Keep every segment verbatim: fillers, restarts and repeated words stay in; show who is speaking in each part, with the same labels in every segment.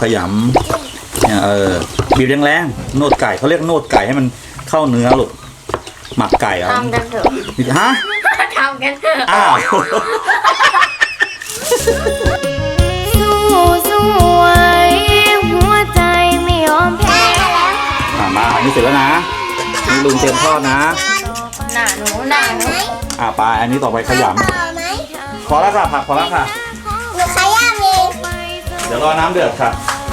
Speaker 1: ขยำเนี่ยเออบีบแรงๆโนดไก่เขาเรียกโนดไก่ให้มันเข้าเนื้อลูกหมักไก่เหรอ
Speaker 2: ทำกันเถอะ
Speaker 1: ฮะ
Speaker 2: ทำกันเถอะ
Speaker 1: อ้าว
Speaker 2: สู้สู้ไว้หัวใจไม่ยอมแพ้
Speaker 1: อ่ะมาอันนี้เสร็จแล้วนะนี่ลุงเตรียมทอดนะ
Speaker 2: หน้าหนูหน้าหนู
Speaker 1: อ่ะไปอันนี้ต่อไปขย
Speaker 3: ต่อไหม
Speaker 1: ำพอแล้วค่ะผักพอแล้วค่ะ
Speaker 3: หนูขย้ำเอง
Speaker 1: เดี๋ยวรอน้ำเดือดค่ะ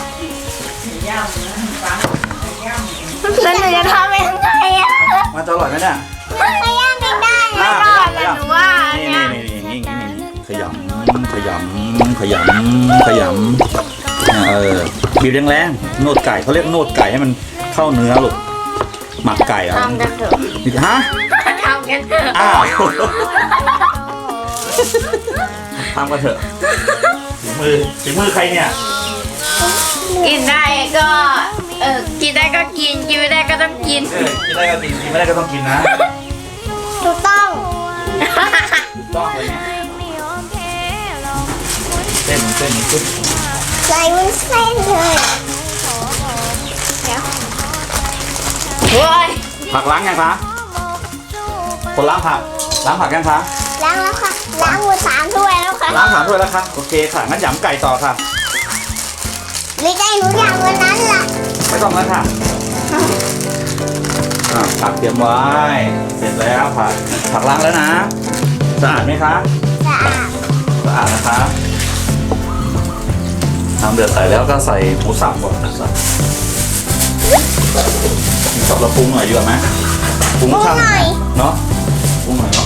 Speaker 2: แล้วหนูจะทำยังไงอ่ะ
Speaker 1: มันจะอร่อยไหมเนี่ย
Speaker 3: ขย้ำเองได้
Speaker 1: อ่ะ
Speaker 2: ก่อนแล้วหนูว่า
Speaker 1: นี่
Speaker 2: เนี่ย
Speaker 1: นี่นี่นี่นี่นี่ขยำขยำขยำขยำเนี่ยเออบีบแรงๆโนดไก่เขาเรียกโนดไก่ให้มันเข้าเนื้อลูกหมักไก่เหรอ
Speaker 2: ทำกันเถอะ
Speaker 1: ฮะ
Speaker 2: ทำกันเถอะ
Speaker 1: อ้าวทำกันเถอะฝีมือฝีมือใครเนี่ย
Speaker 2: กินได้ก็เออกินได้ก็กินกินไม่ได้ก็ต้องกิน
Speaker 1: เออกินได้ก็กินกินไม่ได้ก็ต้องกินนะ
Speaker 3: ถูกต้อง
Speaker 1: ต้องเลยเนี่ยเส้นเส้นขึ้น
Speaker 3: ใส่วุ้นเส้นเลย
Speaker 2: โว้ย
Speaker 1: ผักล้างยังคะคนล้างผักล้างผักยังคะ
Speaker 3: ล้างแล้วค่ะ ล้างมือสามถ้วยแล้วค่ะ
Speaker 1: ล้างถามด้วยแล้วครับโอเคค่ะงั้นหยำไก่ต่อค่ะ
Speaker 3: หรือใจหนูอย่างวันนั้นล่ะ
Speaker 1: ไม่ต้องแล้วค่ะอ่าผักเตรียมไว้เสร็จแล้วผักผักล้างแล้วนะสะอาดไหมคะ
Speaker 3: สะอาด
Speaker 1: สะอาดนะคะน้ำเดือดใส่แล้วก็ใส่หมูสับก่อนสับสับแล้วปรุงหน่อยดีกว่าไหมปรุงช่างเนาะปรุงหน่อยเนาะ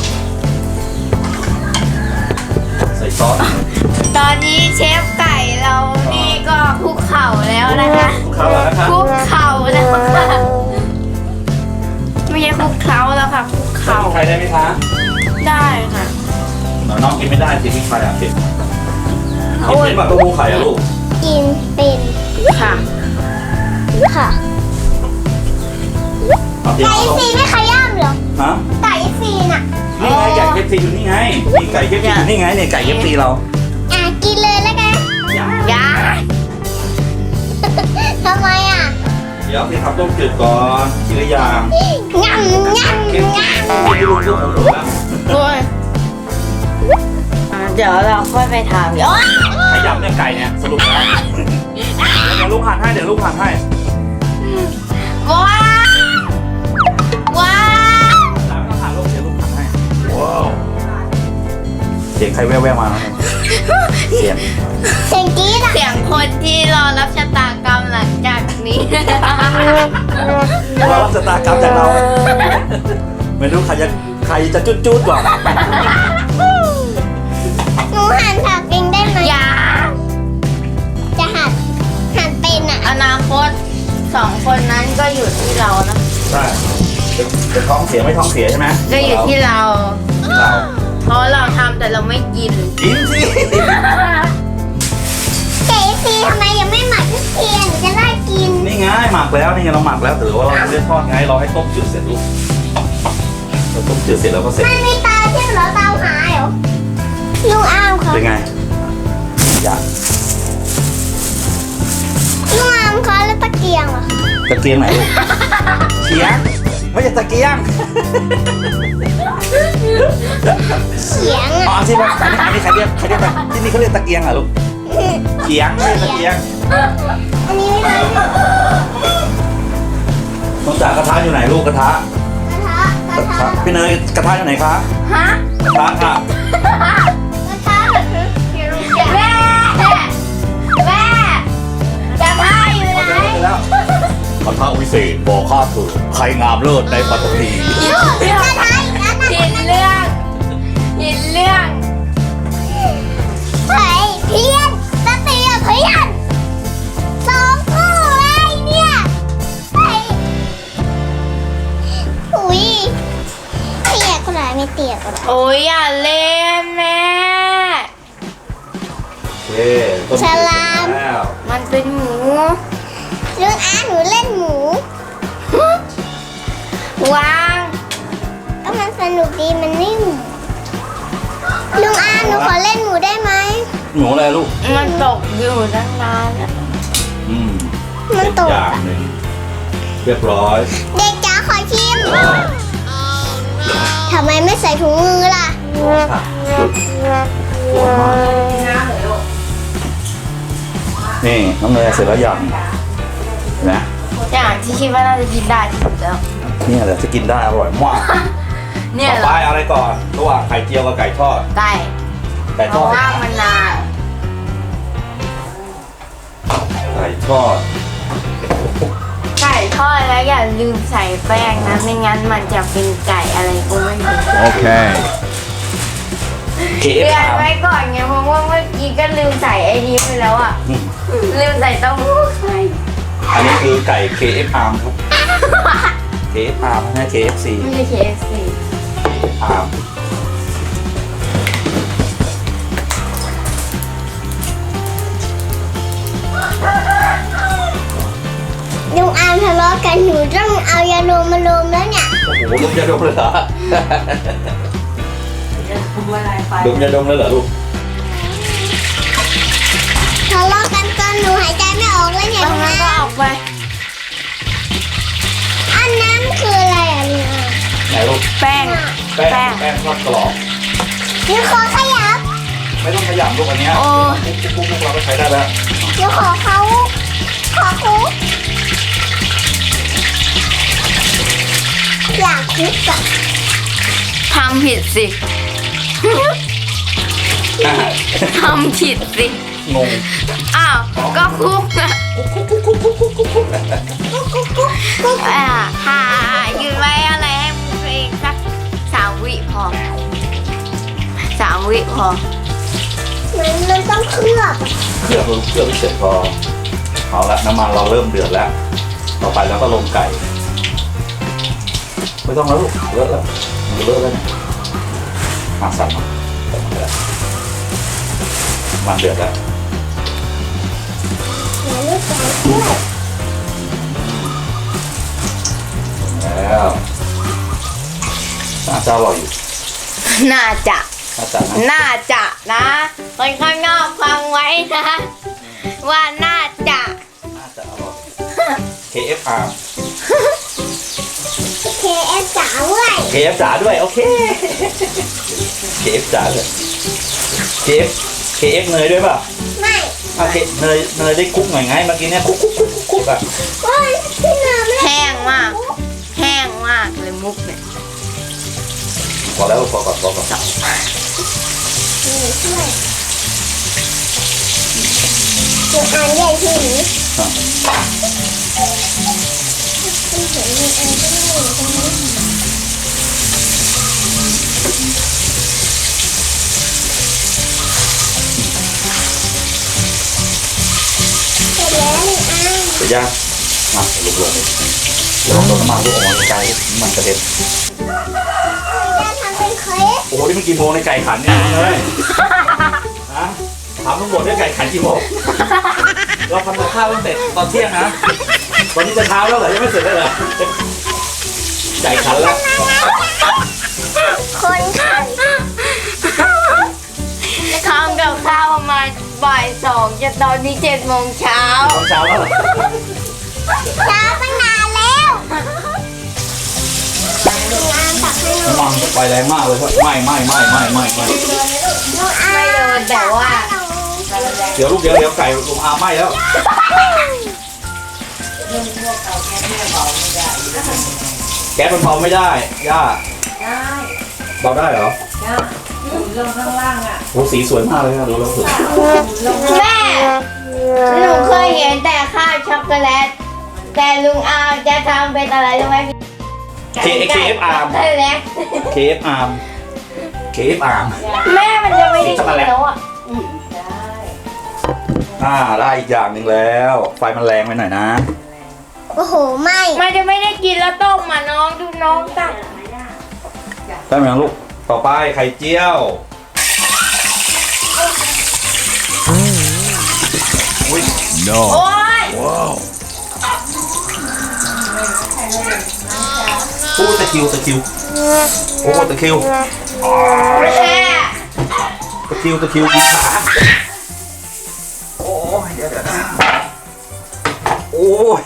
Speaker 1: ใส่ซอส
Speaker 2: ตอนนี้เชฟไก่เรานี่ก็คุกเข่าแล้วนะคะ
Speaker 1: เข้าแล้วนะคะ
Speaker 2: คุกเข่าแล้วค่ะไม่ใช่คุกเข่าแล้วค่ะคุกเข่า
Speaker 1: ใครได้ไหมคะ
Speaker 2: ได้ค่ะ
Speaker 1: น้องกินไม่ได้สิพริกไทยอ่ะเผ็ดกินเป็นแบบเต้าหู้ไข่อะลูก
Speaker 3: กินเป็น
Speaker 2: ค่ะ
Speaker 3: ค่ะ
Speaker 1: เอาเดี๋ยว
Speaker 3: ไก่
Speaker 1: เอาลง
Speaker 3: ซีไม่ขย้ำเหรอ
Speaker 1: ฮะ
Speaker 3: ไก่ซีน่ะ
Speaker 1: นี่ไงไก่เคฟซีอยู่นี่ไงนี่ไก่เคฟซีอยู่นี่ไงเนี่ยไก่เคฟซีเรา
Speaker 3: อ่ะกินเลยแล้วกัน
Speaker 2: ยา
Speaker 3: ทำไมอ่ะ
Speaker 1: เดี๋ยวพี่ทำต้มจืดก่อนทีละอย่าง
Speaker 3: งำงำ
Speaker 1: เคฟซี
Speaker 3: งำ
Speaker 1: ไม่รู้เรื่องของผมแล้ว
Speaker 2: โอ้ยอ่ะเดี๋ยวเราค่อยไปทำเดี๋ยว
Speaker 1: ขยำเนี่ยไก่เนี่ยสรุปแล้วเดี๋ยวลูกหั่นให้เดี๋ยวลูกหั่นให้
Speaker 2: ว้าวว้าว
Speaker 1: หลังไม่ต้องหั่นลูกเดี๋ยวลูกหั่นให้ว้าวเสียงใครแว่วๆมาแล้วเนี่ยเสียง
Speaker 3: เสียงกรี๊ดอ่ะ
Speaker 2: เสียงคนที่รอรับชะตากรรมหลังจากนี้
Speaker 1: เรารับชะตากรรมจากเราไม่รู้ใครจะใครจะจุดๆก่อน
Speaker 3: หนูหั่นผักเองได้ไหม
Speaker 2: อย่า
Speaker 3: จะหั่นหั่นเป็นอ่ะ
Speaker 2: อนาคตสองคนนั้นก็อยู่ที่เรานะ
Speaker 1: ใช่จะท้องเสียไม่ท้องเสียใช่ไหม
Speaker 2: ก็อยู่ที่เรา
Speaker 1: เรา
Speaker 2: เพราะเราทำแต่เราไม่กิน
Speaker 1: กินสิ
Speaker 3: เจซีทำไมยังไม่หมักทุกทีหนูจะได้กิน
Speaker 1: นี่ไงหมักแล้วนี่ไงเราหมักแล้วแต่ว่าเรายังไม่ได้ทอดไงเราให้ต้มจืดเสร็จลูกเราต้มจืดเสร็จแล้วก็เสร็จ
Speaker 3: มันมีตาใช่เหรอตาหายเหรอลุงอามค่ะ
Speaker 1: เป็นไงอยาก
Speaker 3: ลุงอามคะแล้วตะเกียงเหรอ
Speaker 1: ตะเกียงไหนลูกเขียงไม่ใช่ตะเกียง
Speaker 3: เขียง
Speaker 1: อ๋อ
Speaker 3: อ่ะ
Speaker 1: ที่ว่าอันนี้ใครเรียกใครเรียกตะที่นี่เขาเรียกตะเกียงเหรอลูกเขียงไม่ใช่ตะเกียง
Speaker 3: อันนี้ไม่ได้กระ
Speaker 1: น้องจ๋ากระทะอยู่ไหนลูกกระทะ
Speaker 3: ทะก
Speaker 1: ก
Speaker 3: ระ
Speaker 1: ระ
Speaker 3: ทะ
Speaker 1: ทะพี่เนยกระทะอยู่ไหนคะ
Speaker 2: ฮะ
Speaker 1: กระทะค่ะ
Speaker 3: กระทะ
Speaker 2: แม่แม่จะพาอยู่ไหน
Speaker 1: แล้วกระทะวิเศษบอกข้าเถอะใครงามเลิศในปัตตภี
Speaker 3: กระทะอีกอัน
Speaker 2: หินเรื่องหินเรื่อง
Speaker 3: เฮ้ยเพี้ยนตะเตียงเพี้ยนสองคู่เลยเนี่ยเฮ้ยอุ้ยเตียก็ได้ไม่เตียก็ได้
Speaker 2: โอ้ยอย่าเล่นแม่
Speaker 1: โอเคต้มจืดเสร็จแล้ว
Speaker 2: มันเป็นหมู
Speaker 3: ลุงอาหนูเล่นหมู
Speaker 2: วาง
Speaker 3: ก็มันสนุกดีมันนิ่มลุงอาหนูขอเล่นหมูได้ไหม
Speaker 1: หมูอะไรลูก
Speaker 2: มันตกอยู่ตั้งนานแล้ว
Speaker 1: หอืม
Speaker 3: มัน
Speaker 1: เป็น
Speaker 3: ตก
Speaker 1: อย่างหนึ่งเรียบร้อย
Speaker 3: เด็กจ๋าขอชิมทำไมไม่ใส่ถุงมือล่ะ
Speaker 1: ค่ะร้อนมากนี่น้องเนยเสร็จแล้วยังเห็นไหม
Speaker 2: อย่างที่คิดว่าน่าจะกินได้ที่สุดแล้ว
Speaker 1: เนี่ยแหละจะกินได้อร่อยมาก
Speaker 2: เนี่ย
Speaker 1: ต่อ
Speaker 2: เหร
Speaker 1: ไป
Speaker 2: อ
Speaker 1: เอาอะไรก่อนระหว่างไข่เจียวกับไก่ทอด
Speaker 2: ไก่
Speaker 1: ไก่
Speaker 2: เพ
Speaker 1: ทอ
Speaker 2: ราะ
Speaker 1: ด
Speaker 2: ว่ามันนาน
Speaker 1: ไก่ทอด
Speaker 2: ไก่ทอดแล้วอย่าลืมใส่แป้งนะไม่งั้นมันจะเป็นไก่อะไรก็ไม่รู้
Speaker 4: Okay.
Speaker 1: เค
Speaker 2: เตื
Speaker 1: เอฟ
Speaker 2: อน
Speaker 1: อาร์
Speaker 2: ไว้ก่อนไงเพราะว่าเมื่อกี้ก็ลืมใส่ไอ้นี้ไปแล้วอ่ะ
Speaker 1: อืม
Speaker 2: ลืมใส่เต้าหู้ไข่
Speaker 1: อันนี้คือไก่ เค เอฟ อาร์ ครับ เค เอฟ อาร์ ไม่ใช่ เค เอฟ ซี
Speaker 2: ไม่ใช่ เค เอฟ ซี
Speaker 1: อาร์ม
Speaker 3: ลุงอามทะเลาะกันหนูต้องเอายาโลมาโลมแล้วเนี่ย
Speaker 1: โอ้โหดมยาดมเลยเหรอ
Speaker 2: พูดอะไรไป
Speaker 1: ดมยาดมเลยเหรอลูก
Speaker 3: ทะเลาะกันจนหนูหายใจไม่ออกแล้วเนี่ย
Speaker 2: ตรง
Speaker 3: ลุง
Speaker 2: นั้นก็
Speaker 3: อา
Speaker 2: ออกไป
Speaker 3: อันนั้นคืออะไรอ่ะลุงอา
Speaker 1: ไหนลูก
Speaker 2: แป้ง
Speaker 1: แป้ง
Speaker 2: แป้ง
Speaker 1: แป้งทอดกรอบ
Speaker 3: หนูขอขยับ
Speaker 1: ไม่ต้องขยำลูกอันเนี้ย
Speaker 2: โอ้
Speaker 1: ปุ๊บปุ๊บปุ๊บเราก็ใช้ได้แล้ว
Speaker 3: หนูขอเขาขอคุกอยากคุกอะ
Speaker 2: ทำผิดสิ
Speaker 1: อ่ะ
Speaker 2: ทำผิดสิ
Speaker 1: งง
Speaker 2: อ้าว ก็คุกอะ
Speaker 3: กุ๊กกุ๊กกุ๊กกุ๊กกุ๊ก
Speaker 2: อ่าหายืนไว้อะไรให้มึงตัวเองสักสามวิพอสามวิพอ
Speaker 3: มันมันต้องเคลือบ
Speaker 1: เครื่องเครื่องเสร็จพอเอาละน้ำมันเราเริ่มเดือดแล้ว ต่อไปเราก็ลงไก่ ไม่ต้องแล้วลูกเลอะแล้วมันเลอะแล้วเนี่ยมาสั่นมาสั่นมาแล้วมันเดือดแล้ว
Speaker 3: เดี๋ยวลูกจ๋าเคลือบ
Speaker 1: แล้วน่าจะอร่อยอยู่
Speaker 2: น่าจะ
Speaker 1: น่าจะนะ
Speaker 2: น่าจะนะคนข้างนอกฟังไว้นะ ว่าน่าจะ
Speaker 1: น่าจะอร่อย เค เอฟ อาร์
Speaker 3: เคเอฟจ๋าเว้ย
Speaker 1: เค เอฟ จ๋าด้วย โอเค เค เอฟ จ๋าเลย เค เอฟ เค เอฟ เนยด้วยป่ะ
Speaker 3: ไม่
Speaker 1: อ่ะเคเนยเนยได้คุกหน่อยไงเมื่อกี้เนี่ยคุกคุกคุกคุกคุกอ่ะ
Speaker 3: โอ้ยพี่เหนือไม่
Speaker 2: แห้งมาก แห้งมากเลยมุกเนี่ย
Speaker 1: พอแล้วพอก่อนพอก่อน
Speaker 3: ช่วยหนูอ่านใหญ่ที่หนู
Speaker 1: อ่ะ
Speaker 3: เห็นมีอันที่หนูตรงนี้เสร็จแล้วหนูอ่าน
Speaker 1: เสร็จยังมาลงลงเดี๋ยวลงน้ำมันลูกออกมาไกลน้ำมันกระเด็น
Speaker 3: จะทำเป็นเคส
Speaker 1: โอ้โหนี่มันกี่โมงในไก่ขันเนี่ยเลยฮะถามทั้งหมดได้ไก่ขันกี่โมงเราทำกับข้าวตั้งแต่ตอนเที่ยงนะตอนนี้จะเช้าแล้วเหรอยังไม่เสร็จเลยเหรอไก่ขันแล้ว
Speaker 3: คนขัน
Speaker 2: ทำกับข้าวประมาณบ่ายสองจะตอนนี้เจ็ดโมงเช้า
Speaker 1: ตอนเช้าแล้วเหรอ
Speaker 3: ช้าตั้งนานแล้วงานตักให้หนู
Speaker 1: น้ำมันไฟแรงมากเลยครับไหม้ไหม้ไหม้ไหม้ไหม้ไหม้
Speaker 3: หนูอ่าน
Speaker 2: ไม่โดนแต่ว่า
Speaker 1: เดี๋ยวลูกเดี๋ยวเดี๋ยวไก่ลงอาไหม้แล้วแก๊สมันเบาไม่ได้ย่า
Speaker 2: ได้
Speaker 1: เบาได้เหรอ
Speaker 2: ได้ลงข้างล่างอ่ะ
Speaker 1: โอ้สีสวยมากเลยครับดูแล้วสวย
Speaker 2: แม่หนูเคยเห็นแต่ข้าวช็อกโกแลต แต่ลุงอาจะทำเป็นอะไรรู้ไหม
Speaker 1: เคเคเอฟอาร์ม
Speaker 2: ช็อกโกแลต
Speaker 1: เคเอฟอาร์มเคเอฟอาร์ม
Speaker 2: แม่มันจะไม่ได้กินแล้วอ่ะ
Speaker 1: อ่าได้อีกอย่างหนึ่งแล้ว ไฟมันแรงไปหน่อยนะ
Speaker 3: โอ้โห ไม่
Speaker 2: มันจะไม่ได้กินแล้วต้มมาน้องดูน้องตัก
Speaker 1: ได้ไหมลูกต่อไปไข่เจียวอุ้ย
Speaker 4: No.
Speaker 2: โอ๊ย
Speaker 4: Wow.
Speaker 1: โอ้ตะคริวตะคริวโอ้ตะคริว
Speaker 2: แค่
Speaker 1: ตะคริวตะคริวกินขาโอ้ยเดี๋ยวเดี๋ยวนะโอ้ย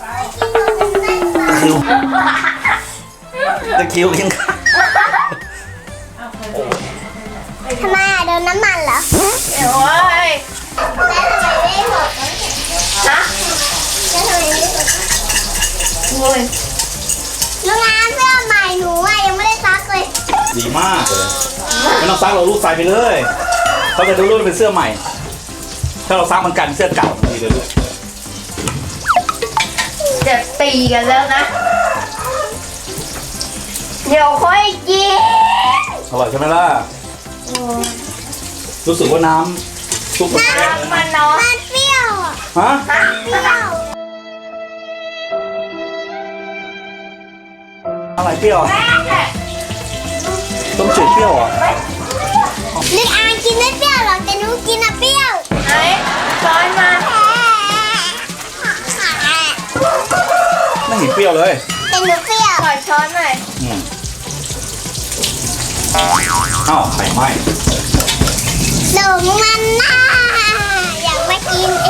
Speaker 1: คิวจะคิวกินข้าว
Speaker 3: ทำไมอ่ะโดนน้ำมันเหรอ
Speaker 2: โอ้ย
Speaker 3: แล้วทำไมไม่หมด
Speaker 2: ฮะ
Speaker 3: แล้วทำไมไม่หมด
Speaker 2: โอ้ย
Speaker 3: ลุงอามเสื้อใหม่หนูอ่ะยังไม่ได้ซักเลย
Speaker 1: ดีมากเลยไม่ต้องซักเราลูกใส่ไปเลยเขาจะดูรุ่นเป็นเสื้อใหม่ ถ้าเราซักมันกันเสื้อเก่าดีเลยลูก
Speaker 2: จะตีกันแล้วนะ เดี๋ยวค่อยกิน
Speaker 1: อร่อยใช่ไหมล่ะรู้สึกว่าน้ำซุปมันแซ่บเลย
Speaker 2: มั
Speaker 1: นะ
Speaker 2: นเนาะ
Speaker 3: มันเปรี้ยวอ่ะ
Speaker 1: ฮะ
Speaker 2: ฮะ
Speaker 3: เปรี้ยว
Speaker 1: อะไรเปรี้ยวต้มจืดเปรี้ยวเหรอ่ะ
Speaker 3: ลุงอามกินไม่เปรี้ยวหรอกแต่หนูกินอ่ะเปรี้ยว
Speaker 2: ไหนช้อนมา
Speaker 1: ไม่เห็นเปรี้ยวเลย
Speaker 3: แต่หนูเปรี้ยว
Speaker 2: ขอช้อนหน่อย
Speaker 1: อืมอ้าวไข่ไหม้
Speaker 3: หลงมันน่าอยากมากินเอง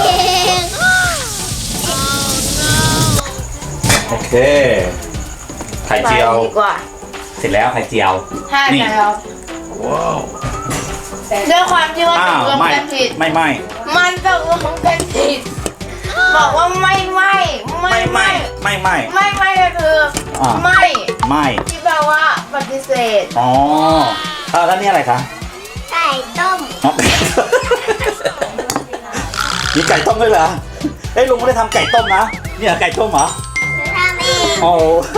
Speaker 1: โอเคไข่เจียว
Speaker 2: ไปดีกว่า
Speaker 1: เสร็จแล้วไข่เจียว
Speaker 2: ห้า
Speaker 1: นี่
Speaker 2: แล้ว
Speaker 1: ว้าว
Speaker 2: ด้วยความที่ว่า
Speaker 1: อ้า
Speaker 2: ต
Speaker 1: ว
Speaker 2: กลง
Speaker 1: ไม่
Speaker 2: กันผิด
Speaker 1: ไม่ไม่
Speaker 2: มันตกลงกันผิด บอกว่าไม่ไม่ไม่
Speaker 1: ไม่ไม่
Speaker 2: ไม่
Speaker 1: ไม่ไม่
Speaker 2: ไม่ไม่ก็คือ
Speaker 1: อ่า
Speaker 2: ไม่
Speaker 1: ไม่
Speaker 2: ที่แปลว่าปฏิเสธ
Speaker 1: อ๋ออ่าแล้วนี่อะไรคะ
Speaker 3: ไก่ต้ม
Speaker 1: อ๋อ มีไก่ต้มด้วยเหรอเอ้ยลุงไม่ได้ทำไก่ต้มนะเนี่ยไก่ต้มเหรอ
Speaker 3: หนูทำเอง
Speaker 1: โอ้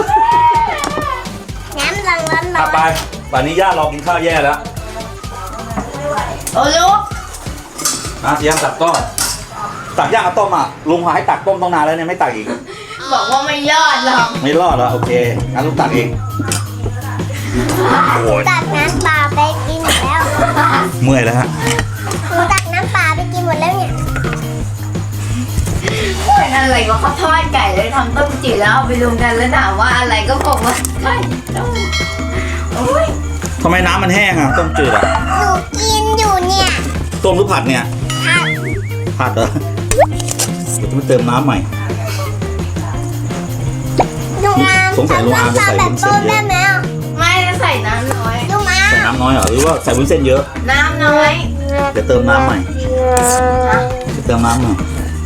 Speaker 3: น้ำร้อนร้อนร้
Speaker 1: อ่ะ
Speaker 3: อน
Speaker 1: ไปป่านนี้ย่ารอกินข้าวแย่แล้ว
Speaker 2: โอ้ลูก
Speaker 1: นะเตรียมตักต้มตักย่างกับต้มอ่ะลุงหาให้ตักต้มต้องนานแล้วเนี่ยไม่ตักอีก
Speaker 2: บอกว่าไม่ยอดหรอก
Speaker 1: ไม่รอดเหรอโอเคงั้นลุงตักเองโอ้ย
Speaker 3: ตักน้ำเปลาไปกินหมดแล้ว
Speaker 1: เมื่อยแล้วฮะ
Speaker 3: หนูตักน้ำเปลาไปกินหมดแล้วเนี่ย
Speaker 2: เป็นอะไรก็เขาทอดไก่เลยทำต้มจืดแล้วเอาไปรวมกันแล้วถามว่าอะไรก็บอกว่าไก่ต้มโอ้ย
Speaker 1: ทำไมน้ำมันแห้งอ่ะต้มจืดอ่ะ
Speaker 3: หนูกินอยู่เนี่ย
Speaker 1: ต้มหรือผัดเนี่ย
Speaker 3: ผัก
Speaker 1: ผัดเหรอเดี๋ยวจะมาเติมน้ำใหม่
Speaker 3: ลุงอาม
Speaker 1: สงสัยลุงอามจะใส่
Speaker 3: แบบ
Speaker 1: วุ้นเส้
Speaker 3: ต้
Speaker 1: น
Speaker 3: ม
Speaker 1: เย
Speaker 3: ได้
Speaker 1: อะ
Speaker 3: ไหมอ่ะ
Speaker 2: ไม่ได้ใส่น้ำน้อย
Speaker 3: ลุงอา
Speaker 1: ใส่
Speaker 3: ม
Speaker 1: น้ำน้อยเหรอหรือว่าใส่วุ้นเส้นเยอะ
Speaker 2: น้ำน้อย
Speaker 1: เดี๋ยวเติมน้ำใหม่เดี๋ยวเติมน้ำใหม่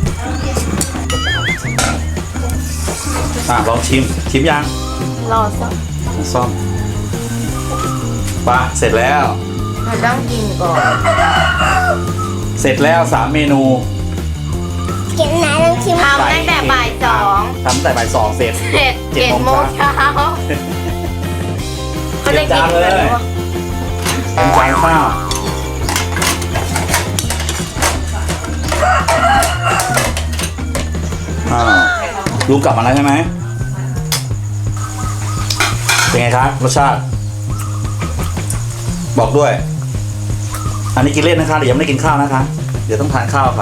Speaker 1: อ่ะลองชิมชิมยัง
Speaker 2: รอสัก
Speaker 1: ซ่อมปะเสร็จแล้ว
Speaker 2: มันต้องกินก่อน
Speaker 1: เสร็จแล้วสามเมนู
Speaker 3: กินไหนลองชิม
Speaker 2: ทำตั้งแต่บ่ายสอง
Speaker 1: ทำตั้งแต่บ่ายสองเสร็จ
Speaker 2: เจ็ด
Speaker 1: เจ็ด
Speaker 2: เจ็ด
Speaker 1: โม
Speaker 2: โม
Speaker 1: ง
Speaker 2: ง
Speaker 1: เช้า
Speaker 2: เช้าเขาได้กิน
Speaker 1: เตรียมจานเลย
Speaker 2: กันวะ
Speaker 1: จานข้าวอ้าวลุงกลับมาแล้วใช่ไหมเป็นไงครับรสชาติ บอกด้วย อันนี้กินเล่นนะคะเดี๋ยวยังไม่ได้กินข้าวนะคะ เดี๋ยวต้องทานข้าวค่ะ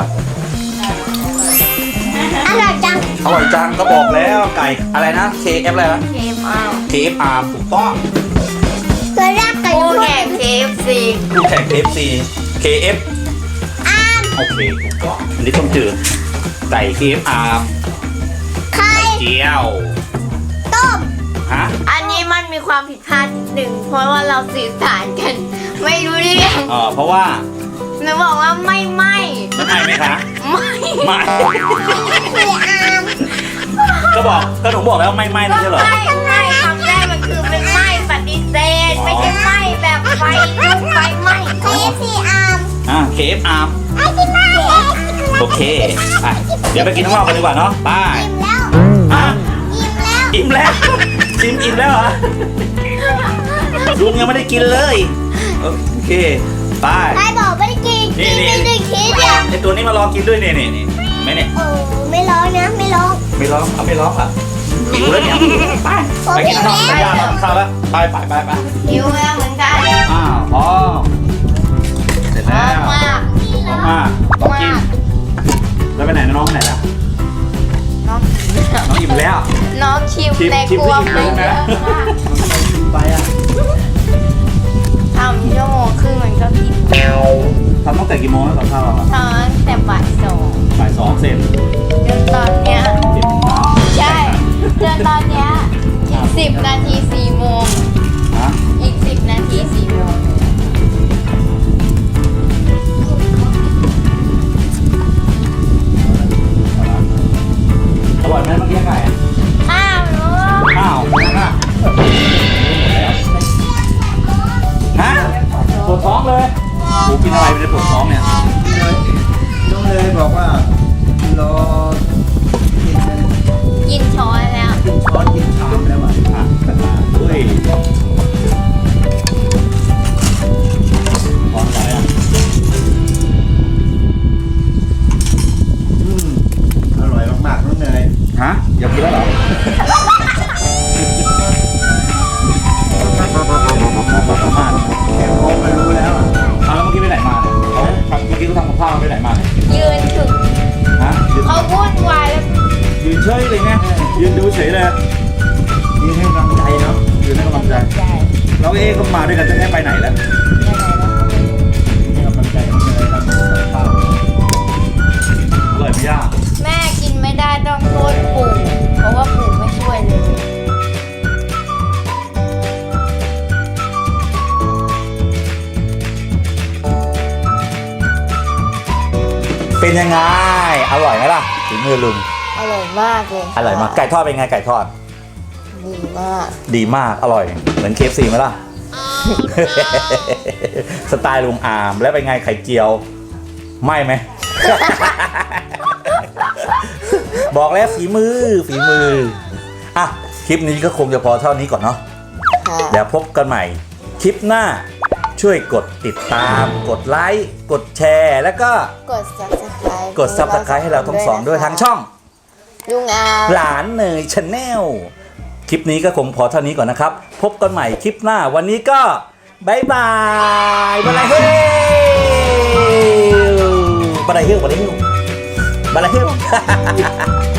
Speaker 3: อร่อยจัง
Speaker 1: อร่อยจังก็บอกแล้วไก่อะไรนะ เค เอฟ อะไรนะ
Speaker 2: เคฟเอา
Speaker 1: เค เอฟ อาร์ ถูกต้อง
Speaker 3: ตัวแรกไก่
Speaker 2: คู่
Speaker 3: ลูก
Speaker 2: แข่ง เค เอฟ ซี
Speaker 1: คู่แข่ง เค เอฟ ซี เค เอฟ
Speaker 3: อาม
Speaker 1: โอเคถูกต้องอันนี้ต้มจืดไก่ เค เอฟ อาร์
Speaker 3: ไข่
Speaker 1: เจียว
Speaker 3: ต้ม
Speaker 1: ฮะ
Speaker 2: อันนี้มันมีความผิดพลาดนิดหนึ่งเพราะว่าเราสื่อสารกัน ไม่รู้เรื่อง
Speaker 1: เออเพราะว่า
Speaker 2: หนูบอกว่าไม่ไม่
Speaker 1: มันไทยไหมคะ
Speaker 2: ไม่
Speaker 1: ไม่
Speaker 3: คืออาม
Speaker 1: ก็บอกก็หนูบอกแล้วไม่ไม่ไม่ใช่เหรอ
Speaker 2: ไม่ไม่คำแรกมันคือเป็นไม่ปฏิเสธไม่ใช่ไม่แบบไฟลุกไฟไหม้
Speaker 3: เคฟซีอาม
Speaker 1: อ่า เค เอฟ อาร์
Speaker 3: ไอ้ที่มาเอง
Speaker 1: โอเคอ่ะเดี๋ยวไปกินข้างนอกกันดีกว่าเนาะไป
Speaker 3: อิ่มแล้ว
Speaker 1: อ่ะ
Speaker 3: อิ่มแล้ว
Speaker 1: อิ่มแล้วชิมอิ่มแล้วเหรอลุงยังไม่ได้กินเลยโอเคไป
Speaker 3: ใครบอกไม่ได้กิน
Speaker 1: นี่
Speaker 3: กิน
Speaker 1: นี่
Speaker 3: ไม่ได้คิดอ่ะ
Speaker 1: ไอตัวนี้มารอกินด้วยนี่นี่นี่ไหมเนี่ย
Speaker 3: โอ้ไม่ร้องนะไม่ร้อง
Speaker 1: ไม่ร้องเอาไม่ร้องอ่ะหิวแล้วเนี่ยไปไปกินข้าวไปย่าทำข้าวแล้วไปไปไปไป
Speaker 2: หิวแล้วเหมือนกัน
Speaker 1: อ้าวพอเสร็จแล้ว
Speaker 2: มาก
Speaker 1: ออกมาต้องกินแล้วไปไหนนะน้องไปไหนแล้ว
Speaker 2: น้อง
Speaker 1: น้องอิ่มแล้ว
Speaker 2: น้องชิม
Speaker 1: ชิม
Speaker 2: ใน
Speaker 1: ชิม
Speaker 2: ครัว
Speaker 1: ที่
Speaker 2: ไป
Speaker 1: อิ่ม
Speaker 2: เย
Speaker 1: เลย
Speaker 2: อะ
Speaker 1: นะ
Speaker 2: มาก
Speaker 1: ไปอ่ะ
Speaker 2: ทำชั่วโมงครึ่งมันก็กิน
Speaker 1: ทำตั้งแต่กี่โมงแล้วกับข้าวเราอะ
Speaker 2: ตอนแต่บ่ายสอง
Speaker 1: บ่ายสองเสร็จ
Speaker 2: จนตอนเนี้ยตอนเนี้ยอีกสิบนาทีสี่โมง
Speaker 1: ฮะ
Speaker 2: อีกสิบนาทีสี่โมง
Speaker 1: อร่อยไหมเมื่อกี้ไก่
Speaker 2: อ้าวลูก
Speaker 1: อ้าวนั่นน่ะฮะปวดท้องเลยกูกินอะไรไปเลยปวดท้องเนี่ย
Speaker 4: น้องเลยบอกว่ารอกิน
Speaker 2: กินช้อนแล้ว
Speaker 4: กินช้อนกินชามแล้วอ่ะ
Speaker 1: อ่ะเฮ้ยท้องอะไรอ่ะ
Speaker 4: อืมอร่อยมากๆน้องเนย
Speaker 1: ฮะอยากกินแล้วเหรอมาก
Speaker 4: แค่มองก็รู้แล้วอ่ะ
Speaker 1: เอาแล้วเมื่อกี้ไปไหนมาเนี่ยเขาเมื่อกี้เขาทำกับข้าวไปไหนมาเนี่ย
Speaker 2: ยืนถึง
Speaker 1: ฮะยืน
Speaker 2: เขาวุ่นวายแล้ว
Speaker 1: ยืนเฉยเลยไงยืนดูเฉยเลย
Speaker 4: นี่ให้กำลังใจเนาะ
Speaker 1: ยืนให้กำลังใจ
Speaker 2: ใจ
Speaker 1: แล้วเอ๊ก็มาด้วยกันจะให้ไปไหนแล้ว
Speaker 4: ให้กำลังใจน้องเนยทำกับข้าว
Speaker 1: อร่อยไหมย่า
Speaker 2: แม่กินไม่ได้ต้องโทษปู่เพราะว่าปู่ไม่ช่วยเลย
Speaker 1: เป็นยังไงอร่อยไหมล่ะถึงมือลุง
Speaker 2: อร่อยมากเลย
Speaker 1: อร่อยมากไก่ทอดเป็นไงไก่ทอด
Speaker 2: ดีมาก
Speaker 1: ดีมากอร่อยเหมือนเคฟซีไหมล่ะ สไตล์ลุงอามแล้วเป็นไงไข่เจียวไม่ไหม บอกแล้วฝีมือฝีมืออ่ะคลิปนี้ก็คงจะพอเท่านี้ก่อนเนาะ
Speaker 2: ค่ะ
Speaker 1: เดี๋ยวพบกันใหม่คลิปหน้าช่วยกดติดตาม กดไลค์กดแชร์แล้วก็
Speaker 2: กด subscribe
Speaker 1: กด ซับสไครบ์ ให้เราทั้งสองด้วยทางช่อง
Speaker 2: ลุงอา
Speaker 1: หลานเนยชาแนลคลิปนี้ก็คงพอเท่านี้ก่อนนะครับ พบกันใหม่คลิปหน้าวันนี้ก็บายบายบายเฮลบายเฮลบายเฮลบายเฮล